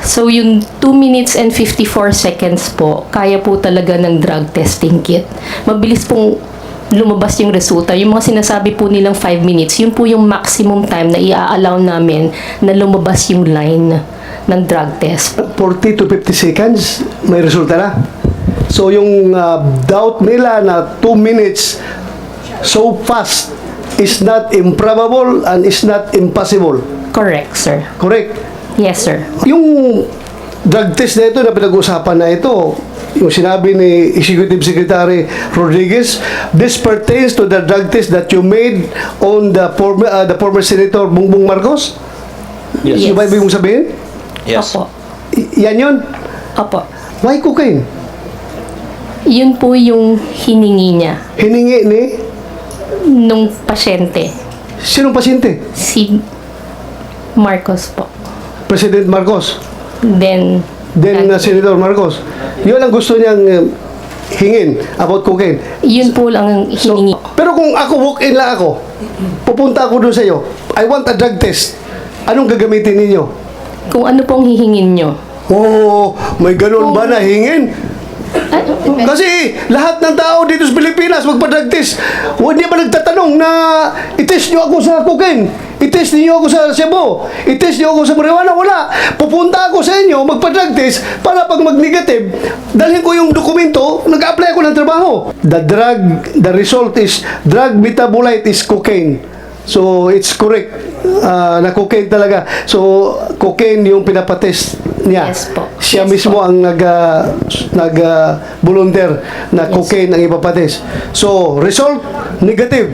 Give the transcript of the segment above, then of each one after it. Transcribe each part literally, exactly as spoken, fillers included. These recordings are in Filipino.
So yung two minutes and fifty-four seconds po, kaya po talaga ng drug testing kit. Mabilis pong lumabas yung resulta. Yung mga sinasabi po nilang five minutes, yun po yung maximum time na i-allow namin na lumabas yung line ng drug test. forty to fifty seconds, may resulta na. So yung uh, doubt nila na two minutes so fast is not improbable and is not impossible. Correct, sir. Correct? Yes, sir. Yung drug test na ito na pinag-usapan na ito, yung sinabi ni Executive Secretary Rodriguez, this pertains to the drug test that you made on the former, uh, the former Senator Bongbong Marcos? Yes. Yung ba ibig mong sabihin? Yes. Opo. Y- yan yun? Opo. Why cocaine? Yun po yung hiningi niya Hiningi ni nung pasyente. sinong pasyente? Si Marcos po. President Marcos. Then, Then uh, Senator Marcos. Yun ang gusto niyang uh, hingin about cocaine. yun po lang ang So, hiningi. pero kung ako walk-in lang ako, pupunta ako doon sa iyo, I want a drug test. Anong gagamitin ninyo? Kung ano pong hihingin nyo. Oh, may ganun ba na hingin? Ah, Kasi lahat ng tao dito sa Pilipinas magpa-drug test. Hindi ba nagtatanong na i-test nyo ako sa cocaine? I-test niyo ako sa Cebu? I-test niyo ako sa marijuana? Wala. Pupunta ako sa inyo, magpa-drug test para pag mag-negative, dalhin ko yung dokumento, nag-apply ako ng trabaho. The drug, the result is drug metabolite is cocaine. So, it's correct uh, na cocaine talaga. So, cocaine yung pinapatest niya. Yes po. Siya Yes mismo po. ang nag, uh, nag uh, volunteer na Yes. cocaine ang ipapatest. So, result, negative.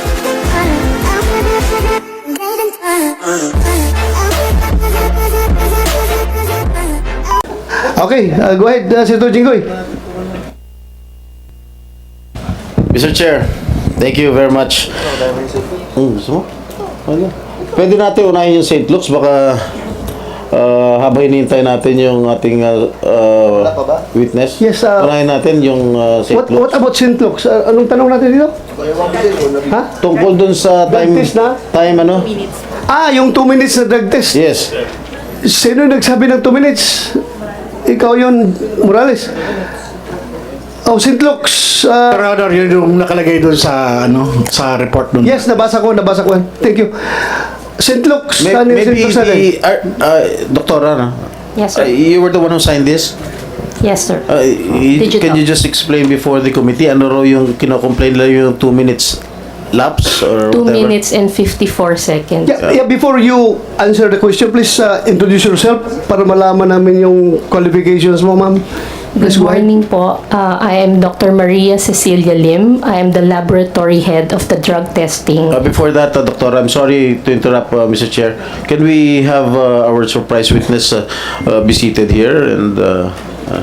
Okay, uh, go ahead, uh, Senator Jinggoy. Mister Chair, thank you very much. Hmm, gusto mo? Ano? Pwede natin unahin yung Saint Luke's, baka uh, habang hinihintay natin yung ating uh, uh, witness. Yes, uh, unahin natin yung uh, Saint What, Luke's. what about Saint Luke's? Uh, anong tanong natin dito? Ha? Tungkol dun sa Drug time, test na? time ano? Ah, yung two minutes na drug test. Yes. Sino yung nagsabi ng two minutes? Ikaw yun, Morales. Oh, Saint Luke's. Uh, Your Honor, yun yung nakalagay doon sa ano sa report doon. yes, nabasa ko, nabasa ko. Thank you. Saint Luke's. May, ano yung Saint maybe Luke's natin? the, uh, uh, Doktora, no? Yes, Uh, sir. you were the one who signed this? Yes, sir. Uh, y- Digital. can you just explain before the committee ano raw yung kino-complain lang yung two minutes lapse or two whatever? minutes and fifty-four seconds. Yeah, yeah, before you answer the question, please uh, introduce yourself para malaman namin yung qualifications mo, ma'am. Please Good go ahead. morning po. Uh, I am Doctor Maria Cecilia Lim. I am the laboratory head of the drug testing. Uh, before that, uh, Doctor, I'm sorry to interrupt, uh, Mister Chair. Can we have uh, our surprise witness uh, uh, be seated here? And uh, uh,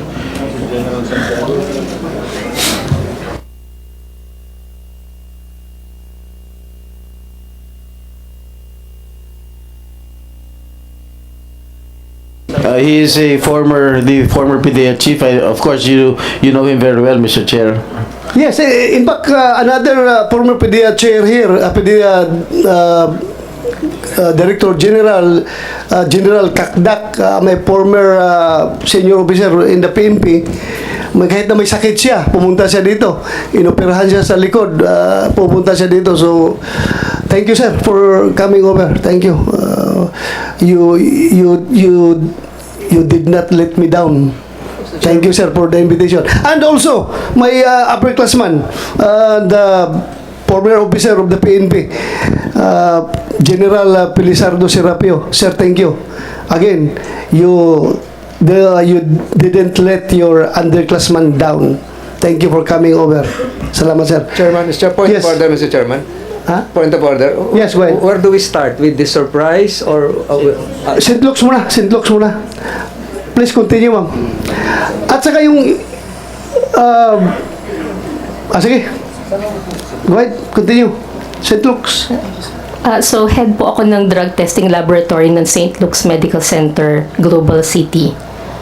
Uh, he is a former, the former P D E A chief. I, of course, you you know him very well, Mister Chair. Yes, eh, in fact, uh, another uh, former P D E A chair here, uh, P D E A uh, uh, Director General, uh, General Kakdak, uh, may former uh, senior officer in the P N P, may, kahit na may sakit siya, pumunta siya dito. Inoperahan siya sa likod, uh, pumunta siya dito. So, thank you, sir, for coming over. Thank you. Uh, you, you, you, you did not let me down. Thank you, sir, for the invitation. And also, my uh, upperclassman, uh, the former officer of the P N P, uh, General uh, Pilisardo Serapio. Sir, thank you. Again, you, the, you didn't let your underclassman down. Thank you for coming over. Salamat, sir. Chairman, Mister Point Yes. of order, Mister Chairman. Ha? Point of order. Yes, go ahead. Where do we start? With the surprise or... Uh, uh, Saint Luke's muna, Saint Luke's muna. Please continue, ma'am. At saka yung... Uh, ah, sige. Go ahead, continue. Saint Luke's. Uh, so, head po ako ng drug testing laboratory ng Saint Luke's Medical Center, Global City.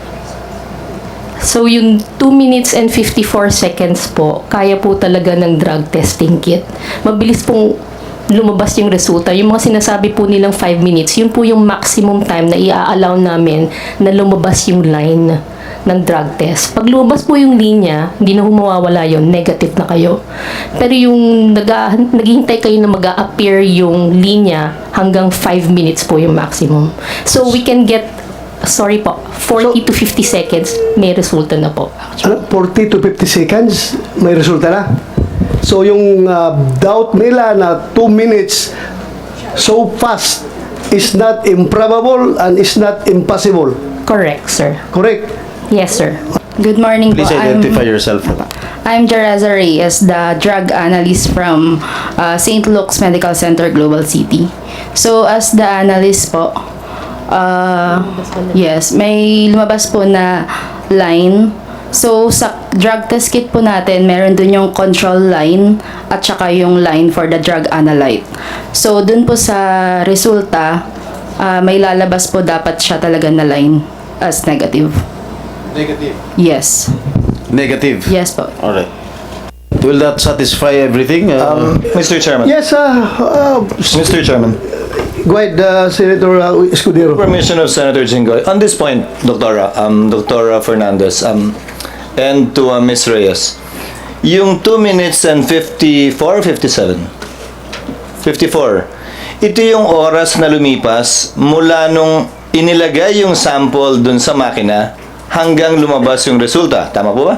So, yung two minutes and fifty-four seconds po, kaya po talaga ng drug testing kit. Mabilis pong lumabas yung resulta. Yung mga sinasabi po nilang five minutes, yun po yung maximum time na i-allow namin na lumabas yung line ng drug test. Pag lumabas po yung linya, hindi na humawawala yun, negative na kayo. Pero yung nag naghihintay kayo na mag-a-appear yung linya, hanggang five minutes po yung maximum. So we can get, sorry po, forty to fifty seconds, may resulta na po. Ano, forty to fifty seconds, may resulta na. So yung uh, doubt nila na two minutes so fast is not improbable and is not impossible. Correct, sir. Correct? Yes, sir. Good morning Please po. identify I'm, yourself. I'm Jereza Reyes, the drug analyst from uh, Saint Luke's Medical Center, Global City. So, as the analyst po, uh, yes, may lumabas po na line. So, sa drug test kit po natin, meron dun yung control line at saka yung line for the drug analyte. So, dun po sa resulta, uh, may lalabas po dapat siya talaga na line as negative. Negative. Yes. Negative. Yes po. Alright. Will that satisfy everything? Uh, Mister Chairman. Yes, uh, uh, Mister Chairman. go ahead, uh, Senator uh, Escudero. Permission of Senator Jinggoy. On this point, Doctora, um, Doctora Fernandez, um, and to uh, Miz Reyes, yung two minutes and fifty-four, fifty-seven? fifty-four. Ito yung oras na lumipas mula nung inilagay yung sample dun sa makina hanggang lumabas yung resulta. Tama po ba?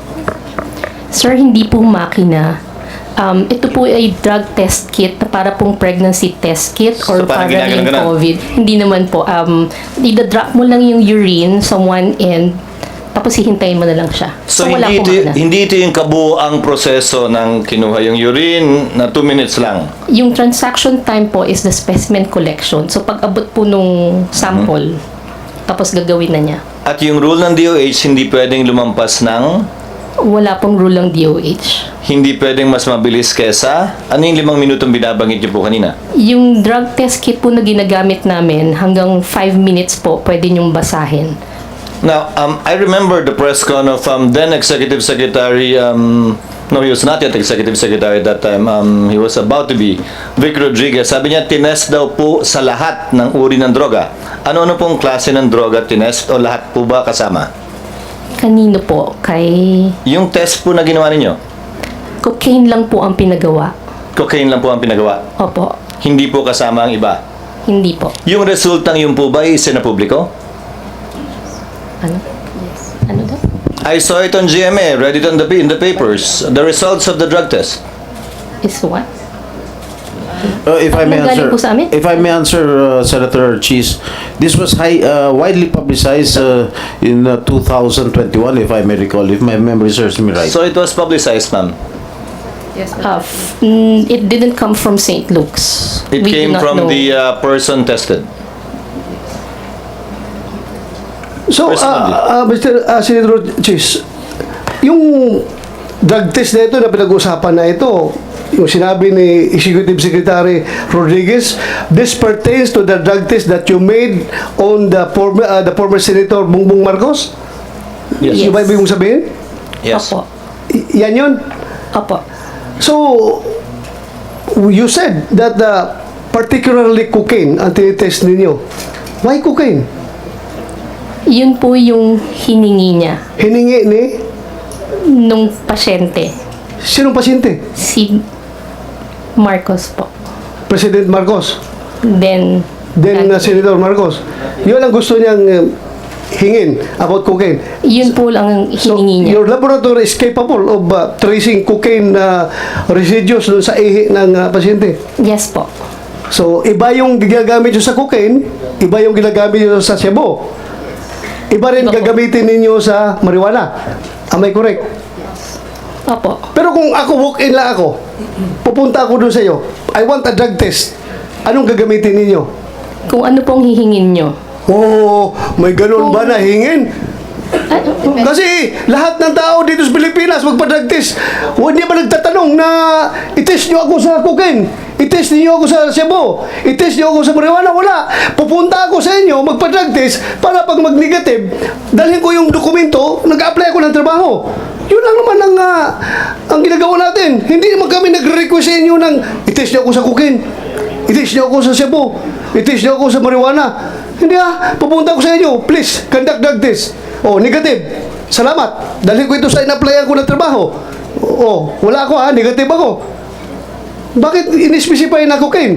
Sir, hindi po makina. Um, ito po ay drug test kit na para pong pregnancy test kit or So, parang para yung ginaganon-ganon? COVID. Hindi naman po. Um, idadrop mo lang yung urine sa one end, tapos hihintayin mo na lang siya. So, wala hindi, po ito, makina. hindi ito yung kabuuang proseso ng kinuha yung urine na two minutes lang. Yung transaction time po is the specimen collection. So, pag abot po nung sample, tapos gagawin na niya. At yung rule ng D O H, hindi pwedeng lumampas ng, Wala pong rule ng D O H. hindi pwedeng mas mabilis kesa, ano yung limang minutong binabanggit niyo po kanina? Yung drug test kit po na ginagamit namin, hanggang five minutes po, pwede niyong basahin. Now, um, I remember the press con of um, then Executive Secretary, um, no, he was not yet Executive Secretary at that time, um, he was about to be, Vic Rodriguez. Sabi niya, tinest daw po sa lahat ng uri ng droga. Ano-ano pong klase ng droga tinest o lahat po ba kasama? Kanino po? Kay Yung test po na ginawa ninyo, cocaine lang po ang pinagawa. cocaine lang po ang pinagawa. Opo, Hindi po kasama ang iba. hindi po. Yung resultang yun po ba isinapubliko? Ano? Yes. Ano daw? I saw it on G M A, read it on the, in the papers, the results of the drug test. Is what? Uh, if I may Anong galing answer, po sa amin? if I may answer, uh, Senator Cheese, this was high, uh, widely publicized uh, in uh, two thousand twenty-one, if I may recall, if my memory serves me right. So it was publicized, ma'am. Uh, f- mm, it didn't come from Saint Luke's. It We do came not from know. the uh, person tested. So, Personally. uh, uh, Mister Uh, Senator Chis, yung drug test na ito na pinag-uusapan na ito, yung sinabi ni Executive Secretary Rodriguez, this pertains to the drug test that you made on the former, uh, the former Senator Bongbong Marcos? Yes. Yung ba ibig mong sabihin? Yes. Opo. Y- yan yun? Opo. So, you said that uh, particularly cocaine ang tinitest ninyo. Why cocaine? Yun po yung hiningi niya Hiningi ni nung pasyente. sinong pasyente? Si Marcos po. President Marcos. Then, Then uh, Senator Marcos. Yun ang gusto niyang uh, hingin about cocaine. yun po lang ang So, hiningi niya. your laboratory is capable of uh, tracing cocaine uh, residues doon sa ihi ng uh, pasyente. Yes po. So, iba yung ginagamit nyo sa cocaine, iba yung ginagamit nyo sa sebo. Iba rin Iba po. gagamitin ninyo sa marijuana. Am I correct? Opo. Pero kung ako walk-in lang ako, pupunta ako doon sa iyo, I want a drug test. Anong gagamitin ninyo? Kung ano pong hihingin nyo. Oh, may ganun ba na hingin? Ah, Kasi lahat ng tao dito sa Pilipinas magpa-drug test. Huwag niya ba nagtatanong na i-test niyo ako sa cocaine? I-test niyo ako sa sebo? I-test niyo ako sa marijuana? Wala. Pupunta ako sa inyo magpa-drug test para pag mag-negative, dalhin ko yung dokumento, nag-apply ako ng trabaho. Yun lang naman ang, ah, ang ginagawa natin. Hindi naman kami nagre-request sa inyo ng i-test niyo ako sa cocaine, i-test niyo ako sa Cebu, i-test niyo ako sa marijuana. Hindi ah, pupunta ko sa inyo, please, conduct drug test. Oh, negative. Salamat. Dahil ko ito sa in-applyan ko ng trabaho. Oh, wala ako ha, negative ako. Bakit in-specify na cocaine?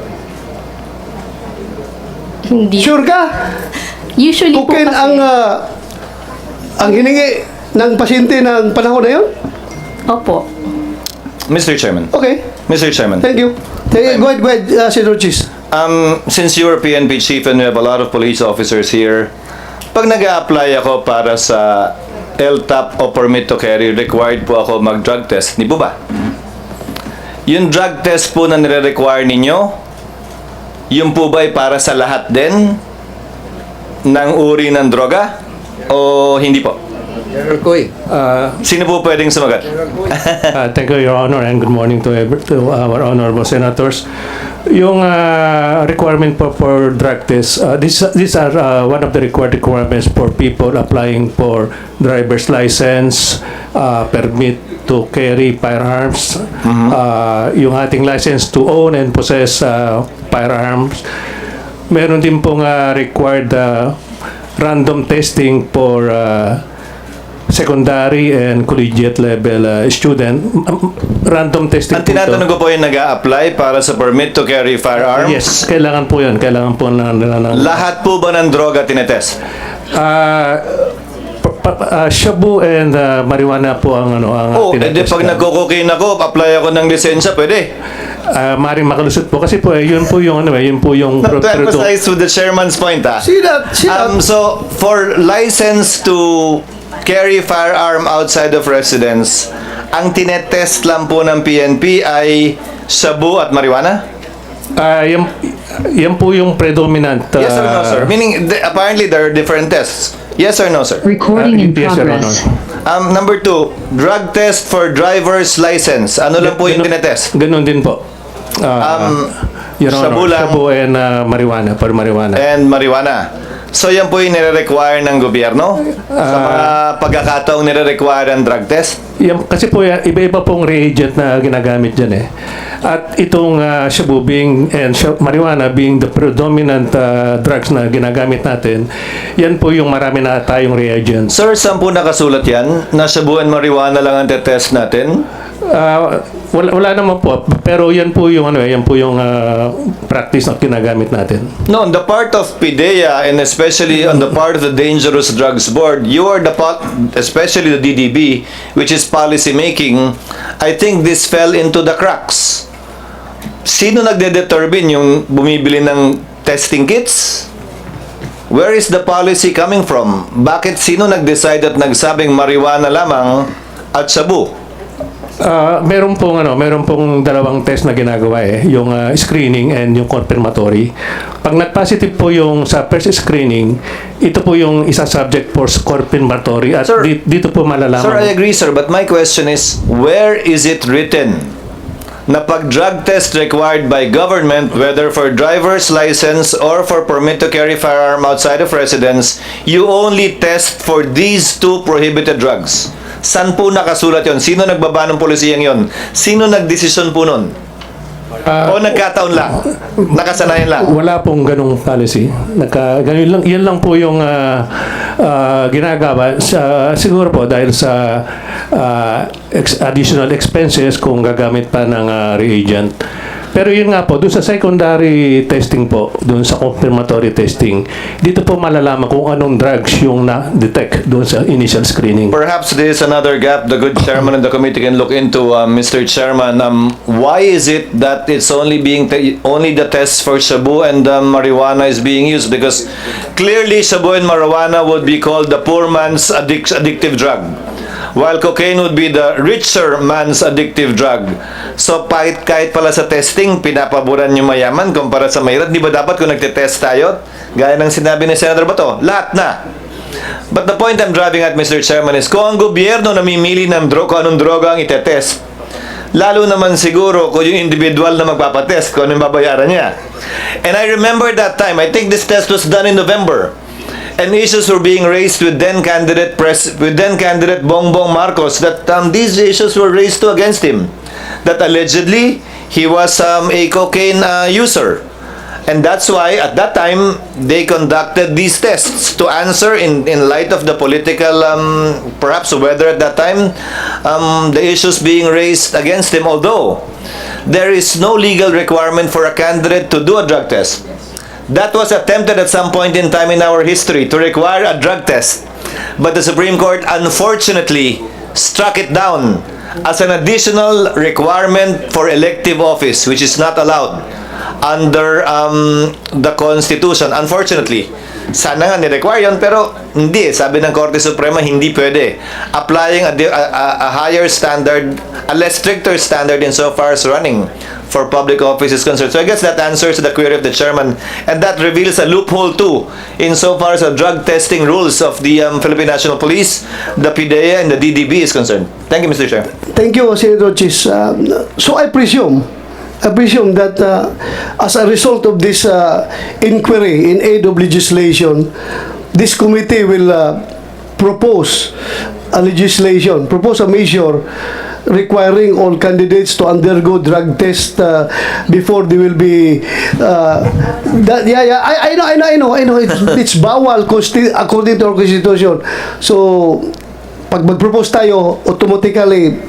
Hindi. Sure ka? Usually po Cocaine kasi, ang ah, ang hiningi ng pasyente ng panahon na yun? opo. Mister Chairman. Okay, Mister Chairman. thank you. Hey, go ahead, go ahead, uh, Senator Chis. Um, since you are P N P chief and we have a lot of police officers here, pag nag apply ako para sa L T A P o permit to carry, required po ako mag-drug test. Di po ba? Yung drug test po na nire-require ninyo, yun po ba ay para sa lahat din ng uri ng droga? O hindi po? General Koy. Uh, Sino po pwedeng sumagat? uh, thank you, Your Honor, and good morning to, every, to our honorable senators. Yung uh, requirement po for drug test, uh, these, these are uh, one of the required requirements for people applying for driver's license, uh, permit to carry firearms, uh, yung ating license to own and possess uh, firearms. Meron din pong uh, required uh, random testing for uh, secondary and collegiate level uh, student. Um, Random testing Ang po ito. tinatanong ko po yung nag-a-apply para sa permit to carry firearms. Yes, kailangan po yun. Kailangan po na nila ng... Lahat po ba ng droga tinetest? Ah, pa- pa- ah, shabu and uh, marijuana po ang ano ang Oh, edi tinetest pag na. nagko-cocaine ako, apply ako ng lisensya, pwede. Ah, maring makalusot po kasi po eh, yun po yung ano eh, yun po yung Not pro- to pro- emphasize with the chairman's point, ah. See that, see that. Um, so, for license to carry firearm outside of residence, ang tinetest lang po ng P N P ay shabu at marijuana? Ah, yan, yan po yung predominant. Yes or no, ah, sir? Meaning, th- apparently there are different tests. Yes or no, sir? Recording in yes, Your Honor. progress. Um, number two, drug test for driver's license. Ano lang po yung Ganun- tinetest? Ganun din po. Ah, Um, Your Honor, shabu lang. shabu and ah, marijuana, for marijuana. And marijuana. So yan po yung nire-require ng gobyerno sa mga pagkakataong nire-require ng drug test? Yan, kasi po yan, iba-iba pong reagent na ginagamit dyan eh. At itong uh, shabu being, and sh- marijuana being the predominant uh, drugs na ginagamit natin, yan po yung marami na tayong reagents. Sir, saan po nakasulat yan? Na shabu and marijuana lang ang test natin? Uh, wala, wala naman po, pero yan po yung, ano, eh, yan po yung uh, practice na ginagamit natin. No, on the part of PIDEA and especially on the part of the Dangerous Drugs Board, you are the part, especially the D D B, which is policy making, I think this fell into the cracks. Sino nagde-determine yung bumibili ng testing kits? Where is the policy coming from? Bakit sino nag-decide at nagsabing marijuana lamang at shabu? Uh, meron pong ano, meron pong dalawang test na ginagawa eh, yung uh, screening and yung confirmatory. Pag nag-positive po yung sa first screening, ito po yung isa subject for confirmatory at Sir, di- dito po malalaman. Sir, I agree, sir. But my question is, where is it written na pag drug test required by government, whether for driver's license or for permit to carry firearm outside of residence, you only test for these two prohibited drugs? San po nakasulat yon? Sino nagbaba ng polisiyang yon? Sino nagdesisyon po nun? Ah, o nagkataon lang? Nakasanayan lang? Wala pong ganung policy. Naka, ganun lang, yan lang po yung ah, ah, ginagawa. Sa, siguro po dahil sa ah, ex- additional expenses kung gagamit pa ng ah, reagent. Pero yun nga po, doon sa secondary testing po, doon sa confirmatory testing, dito po malalaman kung anong drugs yung na-detect doon sa initial screening. Perhaps there is another gap the good chairman of the committee can look into, uh, Mister Chairman. Um, why is it that it's only being te- only the test for shabu and uh, marijuana is being used? Because clearly shabu and marijuana would be called the poor man's addic- addictive drug, while cocaine would be the richer man's addictive drug. So kahit, kahit pala sa testing, pinapaboran yung mayaman kumpara sa mahirap. Di ba dapat kung nagtitest tayo, gaya ng sinabi ni Senator Bato, lahat na. But the point I'm driving at, Mister Chairman, is kung ang gobyerno namimili ng dro kung anong droga ang itetest, lalo naman siguro kung yung individual na magpapatest, kung anong babayaran niya. And I remember that time, I think this test was done in November. and issues were being raised with then candidate pres with then candidate Bongbong Marcos that um, these issues were raised to against him, that allegedly he was um, a cocaine uh, user. And that's why at that time they conducted these tests to answer in, in light of the political um, perhaps weather at that time, um, the issues being raised against him, although there is no legal requirement for a candidate to do a drug test. That was attempted at some point in time in our history to require a drug test, but the Supreme Court unfortunately struck it down as an additional requirement for elective office, which is not allowed under um, the Constitution. Unfortunately, sana nga ni-require yun, pero hindi. Sabi ng Korte Suprema, hindi pwede. Applying a, di- a, a- a higher standard, a less stricter standard insofar as running for public office is concerned. So I guess that answers the query of the chairman, and that reveals a loophole too insofar as the drug testing rules of the um, Philippine National Police, the P D E A, and the D D B is concerned. Thank you, Mister Chair. Thank you, Senator Chis. Um, so I presume, I presume that uh, as a result of this uh, inquiry in aid of legislation, this committee will uh, propose a legislation, propose a measure requiring all candidates to undergo drug test uh, before they will be uh, that, yeah yeah I, I know I know I know I know it's, it's bawal consti- according to our constitution. So pag mag-propose tayo, automatically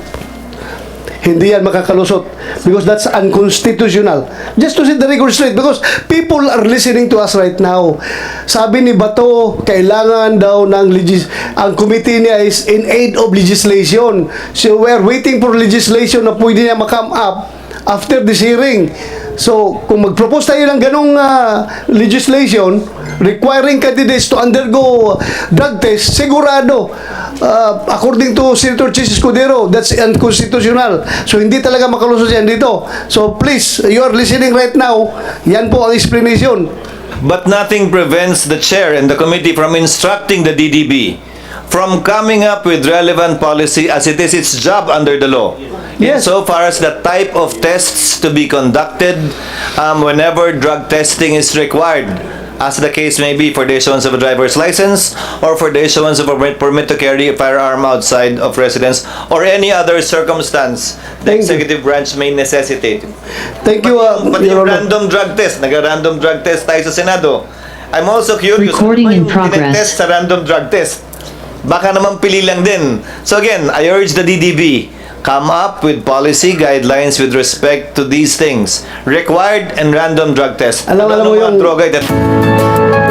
hindi yan makakalusot because that's unconstitutional. Just to set the record straight, because people are listening to us right now. Sabi ni Bato, kailangan daw ng legis ang committee niya is in aid of legislation. So we're waiting for legislation na pwede niya makam up after this hearing. So kung mag-propose tayo ng ganong uh, legislation requiring candidates to undergo drug test, sigurado uh, according to Senator Chis Escudero, that's unconstitutional. So hindi talaga makalusot yan dito. So please, you are listening right now, yan po ang explanation. But nothing prevents the chair and the committee from instructing the D D B from coming up with relevant policy as it is its job under the law. Yes. Insofar as the type of tests to be conducted um, whenever drug testing is required, as the case may be for the issuance of a driver's license or for the issuance of a permit, permit to carry a firearm outside of residence or any other circumstance the Thank you. executive branch may necessitate. Thank you, uh, Pati Your yung Honor. random drug test, nag-random drug test tayo sa Senado. I'm also curious, Recording ano ba in yung progress. tinetest sa random drug test? Baka naman pili lang din. So again, I urge the D D B, come up with policy guidelines with respect to these things. Required and random drug test. Alam- alam mo Ano mga yung- droga ito?